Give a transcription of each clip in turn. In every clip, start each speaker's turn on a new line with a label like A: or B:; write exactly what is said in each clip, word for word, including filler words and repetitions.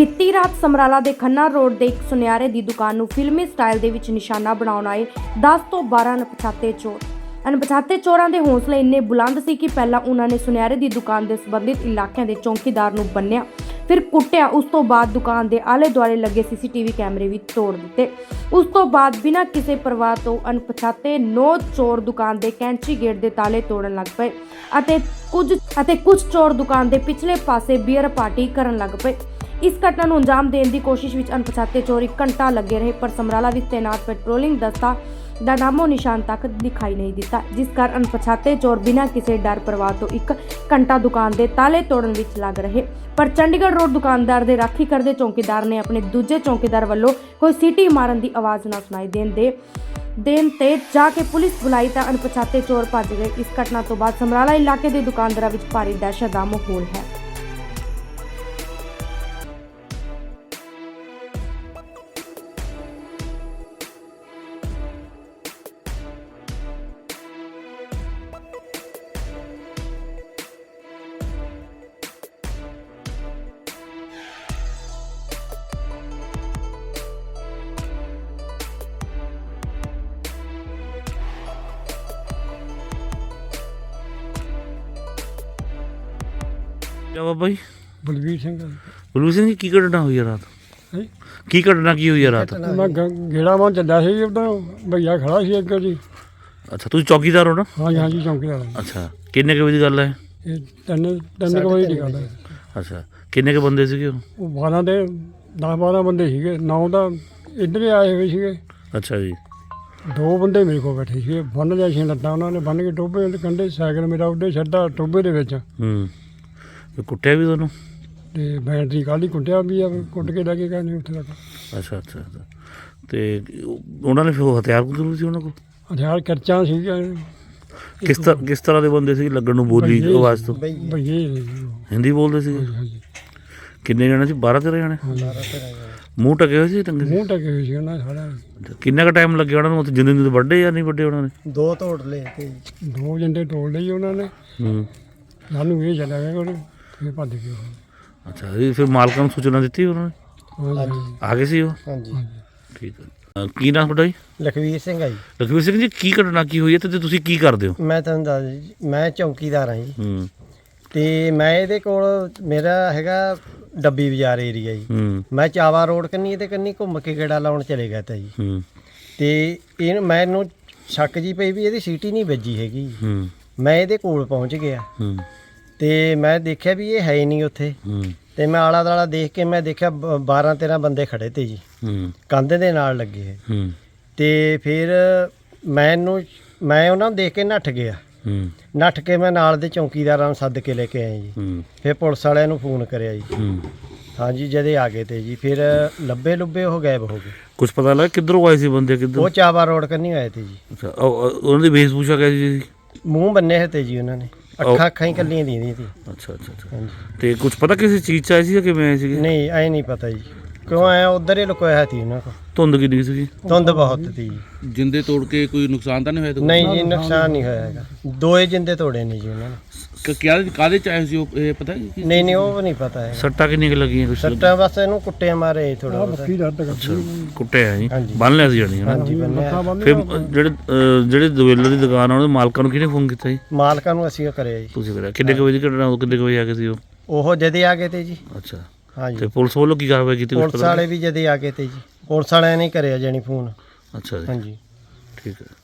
A: ਬੀਤੀ ਰਾਤ ਸਮਰਾਲਾ ਦੇ ਖੰਨਾ ਰੋਡ ਦੇ ਇੱਕ ਸੁਨਿਆਰੇ ਦੀ ਦੁਕਾਨ ਨੂੰ ਫਿਲਮੀ ਸਟਾਈਲ ਦੇ ਵਿੱਚ ਨਿਸ਼ਾਨਾ ਬਣਾਉਣ ਆਏ ਦਸ ਤੋਂ ਬਾਰਾਂ ਅਣਪਛਾਤੇ ਚੋਰ। ਅਣਪਛਾਤੇ ਚੋਰਾਂ ਦੇ ਹੌਸਲੇ ਇੰਨੇ ਬੁਲੰਦ ਸੀ ਕਿ ਪਹਿਲਾਂ ਉਹਨਾਂ ਨੇ ਸੁਨਿਆਰੇ ਦੀ ਦੁਕਾਨ ਦੇ ਸੰਬੰਧਿਤ ਇਲਾਕਿਆਂ ਦੇ ਚੌਕੀਦਾਰ ਨੂੰ ਬੰਨਿਆ, ਫਿਰ ਕੁੱਟਿਆ। ਉਸ ਤੋਂ ਬਾਅਦ ਦੁਕਾਨ ਦੇ ਆਲੇ ਦੁਆਲੇ ਲੱਗੇ ਸੀਸੀਟੀਵੀ ਕੈਮਰੇ ਵੀ ਤੋੜ ਦਿੱਤੇ। ਉਸ ਤੋਂ ਬਾਅਦ ਬਿਨਾਂ ਕਿਸੇ ਪਰਵਾਹ ਤੋਂ ਅਣਪਛਾਤੇ ਨੌ ਚੋਰ ਦੁਕਾਨ ਦੇ ਕੈਂਚੀ ਗੇਟ ਦੇ ਤਾਲੇ ਤੋੜਨ ਲੱਗ ਪਏ ਅਤੇ ਕੁਝ ਅਤੇ ਕੁਝ ਚੋਰ ਦੁਕਾਨ ਦੇ ਪਿਛਲੇ ਪਾਸੇ ਬੀਅਰ ਪਾਰਟੀ ਕਰਨ ਲੱਗ ਪਏ। ਇਸ ਘਟਨਾ ਨੂੰ ਅੰਜਾਮ ਦੇਣ ਦੀ ਕੋਸ਼ਿਸ਼ ਵਿੱਚ ਅਣਪਛਾਤੇ ਚੋਰ ਇੱਕ ਘੰਟਾ ਲੱਗੇ ਰਹੇ, ਪਰ ਸਮਰਾਲਾ ਵਿੱਚ ਤੈਨਾਤ ਪੈਟਰੋਲਿੰਗ ਦਸਤਾ ਦਾ ਨਾਮੋ ਨਿਸ਼ਾਨ ਤੱਕ ਦਿਖਾਈ ਨਹੀਂ ਦਿੱਤਾ, ਜਿਸ ਕਾਰਨ ਅਣਪਛਾਤੇ ਚੋਰ ਬਿਨਾਂ ਕਿਸੇ ਡਰ ਪਰਵਾਹ ਤੋਂ ਇੱਕ ਘੰਟਾ ਦੁਕਾਨ ਦੇ ਤਾਲੇ ਤੋੜਨ ਵਿੱਚ ਲੱਗ ਰਹੇ। ਪਰ ਚੰਡੀਗੜ੍ਹ ਰੋਡ ਦੁਕਾਨਦਾਰ ਦੇ ਰਾਖੀ ਕਰਦੇ ਚੌਕੀਦਾਰ ਨੇ ਆਪਣੇ ਦੂਜੇ ਚੌਕੀਦਾਰ ਵੱਲੋਂ ਕੋਈ ਸੀਟੀ ਮਾਰਨ ਦੀ ਆਵਾਜ਼ ਨਾ ਸੁਣਾਈ ਦੇਣ ਦੇ ਦੇਣ ਤੇ ਜਾ ਕੇ ਪੁਲਿਸ ਬੁਲਾਈ ਤਾਂ ਅਣਪਛਾਤੇ ਚੋਰ ਭੱਜ ਗਏ। ਇਸ ਘਟਨਾ ਤੋਂ ਬਾਅਦ ਸਮਰਾਲਾ ਇਲਾਕੇ ਦੇ ਦੁਕਾਨਦਾਰਾਂ ਵਿੱਚ ਭਾਰੀ ਦਹਿਸ਼ਤ ਦਾ ਮਾਹੌਲ ਹੈ।
B: क्या बाबा जी?
C: बलवीर सिंह
B: बलवीर सिंह जी की घटना हुई है रात?
C: है
B: की घटना की हुई है रात?
C: मैं गेड़ा मां चलिया सी उधर भैया खड़ा सी अगे जी।
B: अच्छा तुम चौकीदार हो ना?
C: हाँ जी हाँ जी चौकीदार।
B: अच्छा किन्ने के बजे की गल है?
C: ये तीन तीन के बजे की गल है।
B: अच्छा किन्ने के बंदे सीगे?
C: वो बारह दे दस बारह बंदे सीगे, नौ दा इधर ही आए हुए सीगे।
B: अच्छा जी।
C: दो बंदे मेरे को बैठे सीगे, बन लिया सी लत्तां उन्होंने बन के टोबे कंढे, साइकिल मेरा उधर छड्डा टोबे दे विच।
B: हम्म ਤੇ ਕੁੱਟਿਆ ਵੀ ਤੁਹਾਨੂੰ?
C: ਤੇ ਬੈਟਰੀ ਕਾਲੀ ਕੁੱਟਿਆ ਵੀ ਆ, ਕੁੱਟ ਕੇ ਲੈ ਕੇ ਗਏ ਨੇ ਉੱਥੇ ਤੱਕ।
B: ਅੱਛਾ ਅੱਛਾ ਅੱਛਾ ਤੇ ਉਹਨਾਂ ਨੇ ਫਿਰ ਉਹ ਹਥਿਆਰ ਜ਼ਰੂਰ ਸੀ ਉਹਨਾਂ ਕੋਲ?
C: ਹਥਿਆਰ ਕਰਚਾਂ ਸੀਗੀਆਂ।
B: ਕਿਸ ਤਰ੍ਹਾਂ ਕਿਸ ਤਰ੍ਹਾਂ ਦੇ ਬੰਦੇ ਸੀ ਲੱਗਣ ਨੂੰ ਬੋਲੀ ਆਵਾਜ਼ ਤੋਂ?
C: ਭਈਏ
B: ਹਿੰਦੀ ਬੋਲਦੇ ਸੀ?
C: ਹਾਂਜੀ।
B: ਕਿੰਨੇ ਜਣੇ ਸੀ? ਬਾਰਾਂ ਤੇਰਾਂ ਜਣੇ? ਮੂੰਹ ਟਕੇ ਹੋਏ ਸੀ? ਟੰਗੇ
C: ਮੂੰਹ ਟਕੇ ਹੋਏ ਸੀ ਉਹਨਾਂ ਦੇ ਸਾਰਾ।
B: ਕਿੰਨਾ ਕੁ ਟਾਈਮ ਲੱਗਿਆ ਉਹਨਾਂ ਨੂੰ ਉੱਥੇ? ਜਿੰਦੇ ਜਿੰਦੇ ਵੱਡੇ ਜਾਂ ਨਹੀਂ ਵੱਡੇ ਉਹਨਾਂ ਨੇ?
D: ਦੋ ਤੋੜ ਲਏ ਤੇ
C: ਦੋ ਜੰਡੇ ਤੋੜ ਲਈ ਉਹਨਾਂ ਨੇ।
B: ਹੂੰ
C: ਸਾਨੂੰ ਇਹ ਚੱਲਿਆ ਗਿਆ ਉਹਨੇ ਫਿਰ ਭੱਜ ਗਏ।
B: ਅੱਛਾ ਇਹ ਫਿਰ ਮਾਲਕਾਂ ਨੂੰ ਸੂਚਨਾ ਦਿੱਤੀ ਉਹਨਾਂ ਨੇ?
C: ਹਾਂਜੀ
B: ਆ ਗਏ ਸੀ ਉਹ?
D: ਹਾਂਜੀ
B: ਠੀਕ ਹੈ। ਕੀ ਨਾਮ ਤੁਹਾਡਾ ਜੀ?
D: ਲਖਵੀਰ ਸਿੰਘ ਆ ਜੀ।
B: ਲਖਵੀਰ ਸਿੰਘ ਜੀ ਕੀ ਘਟਨਾ ਕੀ ਹੋਈ ਹੈ ਤੇ ਤੁਸੀਂ ਕੀ ਕਰਦੇ ਹੋ?
D: ਮੈਂ ਤੁਹਾਨੂੰ ਦੱਸ ਜੀ, ਮੈਂ ਚੌਕੀਦਾਰ ਹਾਂ ਜੀ।
B: ਹੂੰ
D: ਤੇ ਮੈਂ ਇਹਦੇ ਕੋਲ ਮੇਰਾ ਹੈਗਾ ਡੱਬੀ ਬਾਜ਼ਾਰ ਏਰੀਆ ਜੀ।
B: ਹੂੰ
D: ਮੈਂ ਚਾਵਾ ਰੋਡ ਕੰਨੀ ਤੇ ਕੰਨੀ ਘੁੰਮ ਕੇ ਗੇੜਾ ਲਾਉਣ ਚਲੇ ਗਿਆ ਤਾ ਜੀ।
B: ਹੂੰ
D: ਤੇ ਇਹ ਮੈਨੂੰ ਸ਼ੱਕ ਜੀ ਪਈ ਵੀ ਇਹਦੀ ਸੀਟੀ ਨਹੀਂ ਵੱਜੀ ਹੈਗੀ।
B: ਹੂੰ
D: ਮੈਂ ਇਹਦੇ ਕੋਲ ਪਹੁੰਚ ਗਿਆ
B: ਹੂੰ
D: ਤੇ ਮੈਂ ਦੇਖਿਆ ਵੀ ਇਹ ਹੈ ਹੀ ਨਹੀਂ ਉੱਥੇ।
B: ਹੂੰ
D: ਤੇ ਮੈਂ ਆਲਾ ਦਾਲਾ ਦੇਖ ਕੇ ਮੈਂ ਦੇਖਿਆ ਬਾਰਾਂ ਤੇਰਾਂ ਬੰਦੇ ਖੜੇ ਤੇ ਜੀ,
B: ਹੂੰ
D: ਕੰਧ ਦੇ ਨਾਲ ਲੱਗੇ ਹੈ।
B: ਹੂੰ
D: ਤੇ ਫਿਰ ਮੈਨੂੰ ਮੈਂ ਉਹਨਾਂ ਨੂੰ ਦੇਖ ਕੇ ਨੱਠ ਗਿਆ।
B: ਹੂੰ
D: ਨੱਠ ਕੇ ਮੈਂ ਨਾਲ ਦੇ ਚੌਕੀਦਾਰਾਂ ਨੂੰ ਸੱਦ ਕੇ ਲੈ ਕੇ ਆਇਆ ਜੀ।
B: ਹੂੰ
D: ਫਿਰ ਪੁਲਿਸ ਵਾਲਿਆਂ ਨੂੰ ਫੋਨ ਕਰਿਆ ਜੀ।
B: ਹੂੰ
D: ਹਾਂਜੀ ਜਦੇ ਆ ਗਏ ਤੇ ਜੀ। ਫਿਰ ਲੱਭੇ ਲੁੱਬੇ ਉਹ ਗਾਇਬ ਹੋ ਗਏ।
B: ਕੁਝ ਪਤਾ ਲੱਗਾ ਕਿੱਧਰੋਂ ਆਏ ਸੀ ਬੰਦੇ? ਕਿੱਧਰ?
D: ਉਹ ਚਾਵਾ ਰੋਡ ਕੰਨੀ ਆਏ ਤੇ ਜੀ।
B: ਅੱਛਾ ਉਹ- ਉਹ- ਉਹਨਾਂ ਦੀ ਵੇਸ਼ਭੂਸ਼ਾ ਕਿਹੋ ਸੀ?
D: ਮੂੰਹ ਬੰਨੇ ਹੋਏ ਤੇ ਜੀ ਉਹਨਾਂ ਨੇ, ਅੱਖਾਂ ਅੱਖਾਂ ਹੀ ਕੱਲੀਆਂ ਦੀਆਂ ਸੀ।
B: ਅੱਛਾ ਅੱਛਾ ਅੱਛਾ
D: ਹਾਂਜੀ
B: ਤੇ ਕੁਝ ਪਤਾ ਕਿਸੇ ਚੀਜ਼ 'ਚ ਆਏ ਸੀ ਜਾਂ ਕਿਵੇਂ ਆਏ ਸੀਗੇ?
D: ਨਹੀਂ ਐ ਨਹੀਂ ਪਤਾ ਜੀ ਕਿਉਂ ਆਇਆ, ਉਧਰ ਹੀ ਲੁਕੋਇਆ ਸੀ ਉਹਨਾਂ ਕੋਲ।
B: ਧੁੰਦ ਕਿੰਨੀ ਸੀਗੀ?
D: ਧੁੰਦ ਬਹੁਤ ਸੀ ਜੀ।
E: ਜਿੰਦੇ ਤੋੜ ਕੇ ਕੋਈ ਨੁਕਸਾਨ ਤਾਂ ਨਹੀਂ ਹੋਇਆ?
D: ਨਹੀਂ ਜੀ ਨੁਕਸਾਨ ਨਹੀਂ ਹੋਇਆ ਹੈਗਾ। ਦੋਏ ਜਿੰਦੇ ਤੋੜੇ ਨੇ ਜੀ ਉਹਨਾਂ ਨੇ।
E: ਕਿਆ ਕਾਹਦੇ ਚ ਆਏ ਸੀ ਉਹ, ਇਹ ਪਤਾ ਜੀ?
D: ਨਹੀਂ ਨਹੀਂ ਉਹ ਨਹੀਂ ਪਤਾ ਹੈਗਾ।
B: ਸੱਟਾਂ ਕਿੰਨੀਆਂ ਕੁ ਲੱਗੀਆਂ? ਕੁਛ
D: ਸੱਟਾਂ ਬਸ ਇਹਨੂੰ ਕੁੱਟਿਆ ਮਾਰੇ ਥੋੜਾ ਬਹੁਤ।
C: ਬੱਕੀ ਦਰਦ ਕਰਦੀ।
B: ਕੁੱਟਿਆ ਜੀ?
D: ਹਾਂਜੀ।
B: ਬੰਨ ਲਿਆ ਸੀ ਜਾਣੀ ਹੈ ਨਾ?
D: ਹਾਂਜੀ ਬੰਨਿਆ।
B: ਫਿਰ ਜਿਹੜੇ ਅਹ, ਜਿਹੜੇ ਦੁਵੇਲਰ ਦੀ ਦੁਕਾਨ ਆ ਉਹਦੇ ਮਾਲਕਾਂ ਨੂੰ ਕਿਹਨੇ ਫੋਨ ਕੀਤਾ ਜੀ?
D: ਮਾਲਕਾਂ ਨੂੰ ਅਸੀਂ ਉਹ ਕਰਿਆ ਜੀ।
B: ਤੁਸੀਂ ਕਰਿਆ? ਕਿੰਨੇ ਕੁ ਵਜੇ ਦੀ ਘਟਨਾ? ਉਹ ਕਿੰਨੇ ਕੁ ਵਜੇ ਆ ਗਏ ਸੀ ਉਹ?
D: ਉਹ ਜਦੇ ਆ ਗਏ ਤੇ ਜੀ।
B: ਅੱਛਾ
D: ਹਾਂਜੀ
B: ਤੇ ਪੁਲਿਸ ਵੱਲੋਂ ਕੀ ਕਾਰਵਾਈ ਕੀਤੀ? ਕੁਛ
D: ਪੁਲਿਸ
B: ਪਤਾ
D: ਵਾਲੇ ਵੀ ਜਦੇ ਆ ਗਏ ਤੇ ਜੀ। ਪੁਲਿਸ ਵਾਲਿਆਂ ਨੇ ਕਰਿਆ ਜਾਣੀ ਫੋਨ।
B: ਅੱਛਾ ਜੀ
D: ਹਾਂਜੀ
B: ਠੀਕ ਹੈ।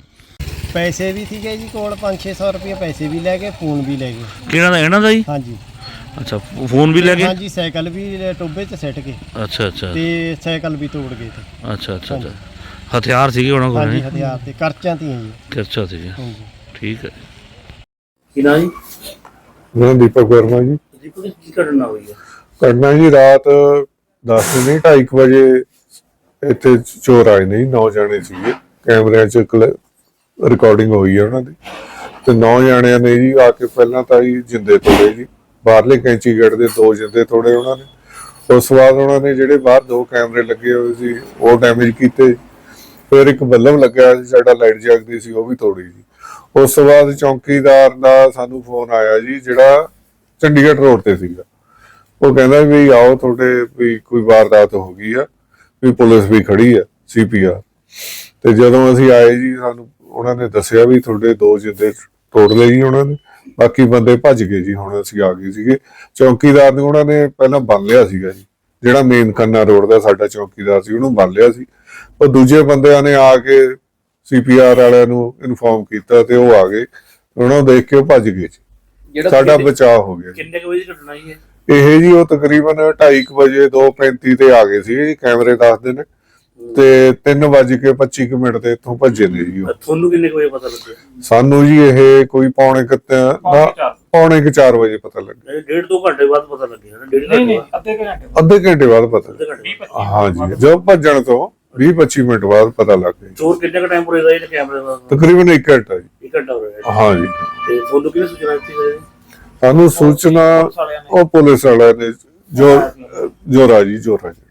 D: ਪੈਸੇ ਵੀ ਸੀਗੇ ਜੀ ਕੋਲ, ਪੰਜ ਛੇ ਸੌ ਰੁਪਏ ਪੈਸੇ ਵੀ ਲੈ ਗਏ, ਫੋਨ ਵੀ ਲੈ ਗਏ।
B: ਕਿਹਨਾਂ ਦਾ? ਇਹਨਾਂ ਦਾ ਜੀ?
D: ਹਾਂਜੀ
B: ਅੱਛਾ ਫੋਨ ਵੀ ਲੈ ਗਏ?
D: ਹਾਂਜੀ ਸਾਈਕਲ ਵੀ ਟੋਬੇ 'ਚ ਸਿੱਟ ਕੇ
B: ਅੱਛਾ ਅੱਛਾ
D: ਤੇ ਸਾਈਕਲ ਵੀ ਤੋੜ ਗਏ ਤੇ।
B: ਅੱਛਾ ਅੱਛਾ ਅੱਛਾ ਹਥਿਆਰ ਸੀਗੇ ਉਹਨਾਂ ਕੋਲ?
D: ਹਾਂਜੀ ਹਥਿਆਰ ਤੇ ਕਰਚਾਂ ਤੀਆਂ ਜੀ।
B: ਅੱਛਾ ਸੀਗੇ
D: ਹਾਂਜੀ
B: ਠੀਕ ਹੈ। ਕੀ ਨਾ ਜੀ?
F: ਮੇਰਾ ਦੀਪਕ ਵਰਮਾ ਜੀ।
B: ਜੀ ਪੁਲਿਸ ਕੀ ਘਟਨਾ ਹੋਈ ਹੈ?
F: ਘਟਨਾ ਜੀ ਰਾਤ ਦਸ ਨਹੀਂ ਢਾਈ ਕੁ ਵਜੇ ਇੱਥੇ ਚੋਰ ਆਏ ਨੇ ਜੀ। ਨੌ ਜਾਣੇ ਸੀਗੇ, ਕੈਮਰਿਆਂ 'ਚ ਰਿਕਾਰਡਿੰਗ ਹੋਈ ਹੈ ਉਹਨਾਂ ਦੀ। ਤੇ ਨੌ ਜਾਣਿਆਂ ਨੇ ਜੀ ਆ ਕੇ ਪਹਿਲਾਂ ਤਾਂ ਜੀ ਜਿੰਦੇ ਤੋੜੇ ਜੀ, ਬਾਹਰਲੇ ਕੈਂਚੀ ਗੇਟ ਦੇ ਦੋ ਜਿੰਦੇ ਤੋੜੇ ਉਹਨਾਂ ਨੇ। ਉਸ ਤੋਂ ਬਾਅਦ ਉਹਨਾਂ ਨੇ ਜਿਹੜੇ ਬਾਹਰ ਦੋ ਕੈਮਰੇ ਲੱਗੇ ਹੋਏ ਸੀ ਉਹ ਡੈਮੇਜ ਕੀਤੇ। ਫਿਰ ਇੱਕ ਬੱਲਬ ਲੱਗਿਆ ਸੀ ਸਾਡਾ, ਲਾਈਟ ਜਗਦੀ ਸੀ, ਉਹ ਵੀ ਤੋੜੀ ਜੀ। ਉਸ ਤੋਂ ਬਾਅਦ ਚੌਕੀਦਾਰ ਦਾ ਸਾਨੂੰ ਫੋਨ ਆਇਆ ਜੀ, ਜਿਹੜਾ ਚੰਡੀਗੜ੍ਹ ਰੋਡ ਤੇ ਸੀਗਾ। ਉਹ ਕਹਿੰਦਾ ਵੀ ਆਓ ਤੁਹਾਡੇ ਵੀ ਕੋਈ ਵਾਰਦਾਤ ਹੋ ਗਈ ਆ, ਵੀ ਪੁਲਿਸ ਵੀ ਖੜੀ ਆ ਸੀ ਪੀ ਆਰ। ਤੇ ਜਦੋਂ ਅਸੀਂ ਆਏ ਜੀ ਸਾਨੂੰ ਉਹਨਾਂ ਨੇ ਦੱਸਿਆ ਵੀ ਤੁਹਾਡੇ ਦੋ ਜਿੰਦੇ ਤੋੜ ਲਏ ਜੀ ਉਹਨਾਂ ਨੇ, ਬਾਕੀ ਬੰਦੇ ਭੱਜ ਗਏ ਜੀ। ਹੁਣ ਅਸੀਂ ਆ ਗਏ ਸੀਗੇ, ਚੌਕੀਦਾਰ ਨੂੰ ਉਹਨਾਂ ਨੇ ਪਹਿਲਾਂ ਬੰਨ ਲਿਆ ਸੀਗਾ ਜੀ, ਜਿਹੜਾ ਮੇਨ ਖੰਨਾ ਰੋਡ ਦਾ ਸਾਡਾ ਚੌਕੀਦਾਰ ਸੀ ਉਹਨੂੰ ਬੰਨ ਲਿਆ ਸੀ। ਉਹ ਦੂਜੇ ਬੰਦਿਆਂ ਨੇ ਆ ਕੇ ਸੀ ਪੀ ਆਰ ਵਾਲਿਆਂ ਨੂੰ ਇਨਫੋਰਮ ਕੀਤਾ ਤੇ ਉਹ ਆ ਗਏ, ਉਹਨਾਂ ਨੂੰ ਦੇਖ ਕੇ ਉਹ ਭੱਜ ਗਏ ਜੀ। ਸਾਡਾ ਬਚਾਅ ਹੋ ਗਿਆ।
E: ਕਿੰਨੇ ਕੁ ਵਜੇ ਦੀ ਘਟਨਾ ਹੀ ਹੈ
F: ਇਹ ਜੀ ਉਹ ਤਕਰੀਬਨ ਢਾਈ ਕੁ ਵਜੇ ਦੋ ਪੈਂਤੀ ਤੇ ਆ ਗਏ ਸੀ ਜੀ, ਕੈਮਰੇ ਦੱਸਦੇ ਨੇ, ਤੇ ਤਿੰਨ ਵੱਜ ਕੇ ਪੱਚੀ ਕੁ ਮਿੰਟ ਤੇ ਇੱਥੋਂ ਭੱਜੇ ਨੇ ਜੀ ਉਹ।
E: ਤੁਹਾਨੂੰ ਕਿੰਨੇ ਕੁ ਵਜੇ ਪਤਾ ਲੱਗਿਆ?
F: ਸਾਨੂੰ ਜੀ ਇਹ ਕੋਈ ਪੌਣੇ ਕੁ ਤ- ਪੌਣੇ ਕੁ ਚਾਰ ਵਜੇ ਪਤਾ ਲੱਗਿਆ।
E: ਡੇਢ ਦੋ ਘੰਟੇ ਬਾਅਦ ਪਤਾ ਲੱਗਿਆ ਨਾ? ਡੇਢ ਘੰਟੇ ਬਾਅਦ?
F: ਅੱਧੇ ਘੰਟੇ ਬਾਅਦ ਪਤਾ
E: ਅੱਧੇ ਘੰਟੇ ਬਾਅਦ।
F: ਹਾਂ ਜੀ, ਜਦੋਂ ਭੱਜਣ ਤੋਂ ਵੀਹ ਪੱਚੀ ਮਿੰਟ ਬਾਅਦ ਪਤਾ ਲੱਗ ਗਿਆ।
E: ਚੋਰ ਕਿੰਨੇ ਕੁ ਟਾਈਮ ਪੁਰੇ ਦਾ ਇਹ ਕੈਮਰੇ ਦਾ?
F: ਤਕਰੀਬਨ ਇੱਕ ਘੰਟਾ ਜੀ।
E: ਇੱਕ ਘੰਟਾ ਹੋ ਰਿਹਾ।
F: ਹਾਂ ਜੀ।
E: ਤੇ ਤੁਹਾਨੂੰ ਕਿਹਨੇ ਸੂਚਨਾ ਦਿੱਤੀ ਹੈ?
F: ਸਾਨੂੰ ਸੂਚਨਾ ਉਹ ਪੁਲਿਸ ਵਾਲਿਆਂ ਨੇ, ਜੋ ਜੋਰਾ ਜੀ ਜੋਰਾ ਜੀ।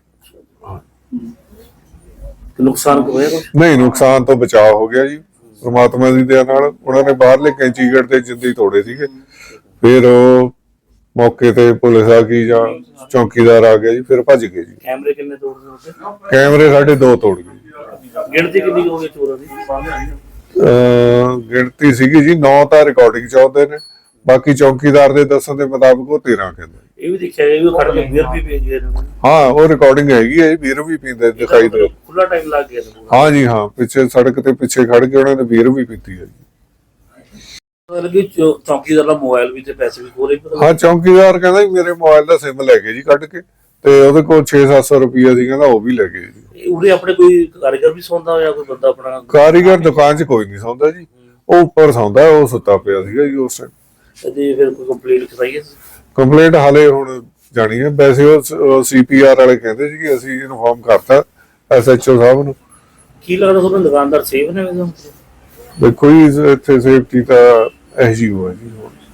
E: ਨੁਕਸਾਨ ਹੋਇਆ ਕੁਛ?
F: ਨਹੀਂ, ਨੁਕਸਾਨ ਤੋਂ ਬਚਾਅ ਹੋ ਗਿਆ ਜੀ ਪ੍ਰਮਾਤਮਾ ਦੀ ਦਇਆ ਨਾਲ। ਉਹਨਾਂ ਨੇ ਬਾਹਰਲੇ ਕੈਂਚੀਗੜ੍ਹ ਤੇ ਜਿੰਦੇ ਤੋੜੇ ਸੀਗੇ, ਫਿਰ ਉਹ ਮੌਕੇ ਤੇ ਪੁਲਿਸ ਆ ਗਈ ਜਾਂ ਚੌਕੀਦਾਰ ਆ ਗਿਆ ਜੀ, ਫਿਰ ਭੱਜ ਗਏ ਜੀ।
E: ਕੈਮਰੇ ਕਿੰਨੇ ਤੋੜਦੇ ਉੱਤੇ?
F: ਕੈਮਰੇ ਸਾਡੇ ਦੋ ਤੋੜ ਗਏ।
E: ਗਿਣਤੀ ਕਿੰਨੀ ਹੋ ਗਈ ਚੋਰਾਂ ਦੀ?
F: ਅਹ ਗਿਣਤੀ ਸੀਗੀ ਜੀ ਨੌ ਤਾਂ ਰਿਕਾਰਡਿੰਗ ਚ ਆਉਂਦੇ ਨੇ, ਬਾਕੀ ਚੌਕੀਦਾਰ ਦੇ ਦੱਸਣ ਦੇ ਮੁਤਾਬਕ ਉਹ ਤੇਰਾਂ ਕਹਿੰਦੇ।
E: ਇਹ ਵੀ ਦੇਖਿਆ ਗਿਆ ਵੀ ਉਹ ਖੜ ਕੇ ਬੀਅਰ ਵੀ ਪੀ ਗਏ ਨੇ।
F: ਹਾਂ, ਉਹ ਰਿਕਾਰਡਿੰਗ ਹੈਗੀ ਹੈ, ਵੀਰ ਵੀ ਪੀਂਦੇ ਦਿਖਾਈ ਦੇ।
E: ਖੁੱਲਾ ਟਾਈਮ ਲੱਗ ਗਿਆ ਸੀ।
F: ਹਾਂ ਜੀ, ਹਾਂ, ਪਿੱਛੇ ਸੜਕ ਤੇ ਪਿੱਛੇ ਖੜ ਕੇ ਉਹਨਾਂ ਨੇ ਵੀਰ ਵੀ ਪੀਤੀ ਹੈ ਜੀ।
E: ਮਤਲਬ ਕਿ ਚੌ- ਚੌਕੀਦਾਰ ਦਾ ਮੋਬਾਈਲ ਵੀ ਤੇ ਪੈਸੇ ਵੀ ਕੋਲੇ ਪਤਾ
F: ਹਾਂ, ਚੌਕੀਦਾਰ ਕਹਿੰਦਾ ਜੀ ਮੇਰੇ ਮੋਬਾਈਲ ਦਾ ਸਿਮ ਲੈ ਗਏ ਜੀ ਕੱਢ ਕੇ, ਤੇ ਉਹਦੇ ਕੋਲ ਛੇ ਸੱਤ ਸੌ ਰੁਪਈਆ ਸੀ, ਕਹਿੰਦਾ ਉਹ ਵੀ ਲੈ ਗਏ ਜੀ।
E: ਉਰੇ ਆਪਣੇ ਕੋਈ ਕਾਰੀਗਰ ਵੀ ਸੌਂਦਾ ਹੋਇਆ, ਕੋਈ ਬੰਦਾ ਆਪਣਾ?
F: ਕਾਰੀਗਰ ਦੁਕਾਨ 'ਚ ਕੋਈ ਨਹੀਂ ਸੌਂਦਾ ਜੀ, ਉਹ ਉੱਪਰ ਸੌਂਦਾ, ਉਹ ਸੁੱਤਾ ਪਿਆ ਸੀਗਾ ਜੀ ਉਸ ਟਾਈਮ।
E: ਤੇ ਫਿਰ ਕੋਈ ਕੰਪਲੇਂਟ ਕਰਾਈ ਹੈ?
F: ਕੰਪਲੇਂਟ ਹਾਲੇ ਹੁਣ ਜਾਣੀ ਹੈ, ਵੈਸੇ ਉਹ ਸੀ ਪੀ ਆਰ ਵਾਲੇ ਕਹਿੰਦੇ ਸੀ ਕਿ ਅਸੀਂ ਇਨਫੋਰਮ ਕਰਤਾ ਐਸ ਐਚ ਓ ਸਾਹਿਬ ਨੂੰ।
E: ਕੀ ਲੱਗਦਾ ਤੁਹਾਨੂੰ ਦੁਕਾਨਦਾਰ ਸੇਫ ਨੇ?
F: ਦੇਖੋ ਜੀ, ਇੱਥੇ ਸੇਫਟੀ ਤਾਂ ਇਹ ਜੀ ਹੋਇਆ ਜੀ।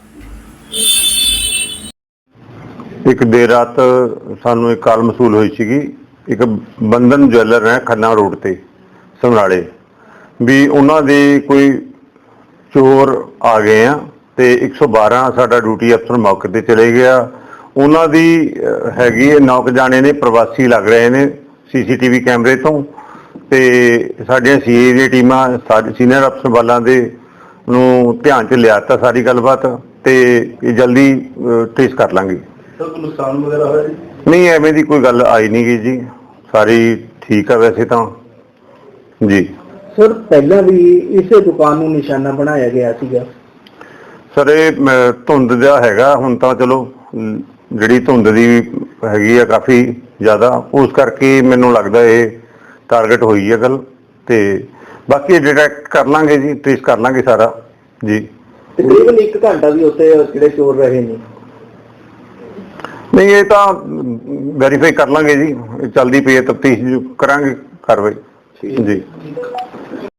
G: ਇੱਕ ਦੇਰ ਰਾਤ ਸਾਨੂੰ ਇੱਕ ਕਾਲ ਮਸੂਲ ਹੋਈ ਸੀਗੀ, ਇੱਕ ਬੰਧਨ ਜਵੈਲਰ ਹੈ ਖੰਨਾ ਰੋਡ ਤੇ ਸਮਰਾਲੇ, ਵੀ ਉਹਨਾਂ ਦੇ ਕੋਈ ਚੋਰ ਆ ਗਏ ਆ ਤੇ ਇੱਕ ਸੌ ਬਾਰਾਂ ਸਾਡਾ ਡਿਊਟੀ ਅਫਸਰ ਮੌਕੇ ਤੇ ਚਲੇ ਗਿਆ। ਉਹਨਾਂ ਦੀ ਅਹ, ਹੈਗੀ ਹੈ ਨੌ ਕੁ ਜਾਣੇ ਨੇ, ਪ੍ਰਵਾਸੀ ਲੱਗ ਰਹੇ ਨੇ ਸੀ ਸੀ ਟੀ ਵੀ ਕੈਮਰੇ ਤੋਂ, ਤੇ ਸਾਡੀਆਂ ਸੀ ਏ ਦੀਆਂ ਟੀਮਾਂ ਸਾਡੇ ਸੀਨੀਅਰ ਅਫਸਰ ਵਾਲਾਂ ਦੇ ਨੂੰ ਧਿਆਨ 'ਚ ਲਿਆ ਤਾ ਸਾਰੀ ਗੱਲਬਾਤ, ਤੇ ਇਹ ਜਲਦੀ ਟ੍ਰੇਸ ਕਰ ਲਾਂਗੇ।
H: ਸਰ ਕੋਈ ਨੁਕਸਾਨ ਵਗੈਰਾ ਹੋਇਆ ਜੀ?
G: ਨਹੀਂ, ਐਵੇਂ ਦੀ ਕੋਈ ਗੱਲ ਆਈ ਨਹੀਂ ਗਈ ਜੀ, ਸਾਰੀ ਠੀਕ ਆ ਵੈਸੇ ਤਾਂ ਜੀ।
H: ਸਰ ਪਹਿਲਾਂ ਵੀ ਇਸੇ ਦੁਕਾਨ ਨੂੰ ਨਿਸ਼ਾਨਾ ਬਣਾਇਆ ਗਿਆ ਸੀਗਾ।
G: ਸਰ ਇਹ ਮ, ਧੁੰਦ ਦਾ ਹੈਗਾ, ਹੁਣ ਤਾਂ ਚਲੋ ਮ, ਜਿਹੜੀ ਧੁੰਦ ਦੀ ਹੈਗੀ ਆ ਕਾਫੀ ਜ਼ਿਆਦਾ, ਉਸ ਕਰਕੇ ਮੈਨੂੰ ਲੱਗਦਾ ਇਹ ਟਾਰਗੇਟ ਹੋਈ ਹੈ ਗੱਲ, ਤੇ ਬਾਕੀ ਡਿਟੈਕਟ ਕਰ ਲਾਂਗੇ ਜੀ, ਟ੍ਰੇਸ ਕਰ ਲਾਂਗੇ ਸਾਰਾ ਜੀ।
H: ਤਕਰੀਬਨ ਇੱਕ ਘੰਟਾ ਵੀ ਉੱਥੇ ਜਿਹੜੇ ਚੋਰ ਰਹੇ ਨੇ?
G: ਨਹੀਂ, ਇਹ ਤਾਂ ਵੈਰੀਫਾਈ ਕਰ ਲਾਂਗੇ ਜੀ, ਚੱਲਦੀ ਪਈ ਹੈ ਤਫਤੀਸ਼, ਕਰਾਂਗੇ ਕਾਰਵਾਈ ਜੀ।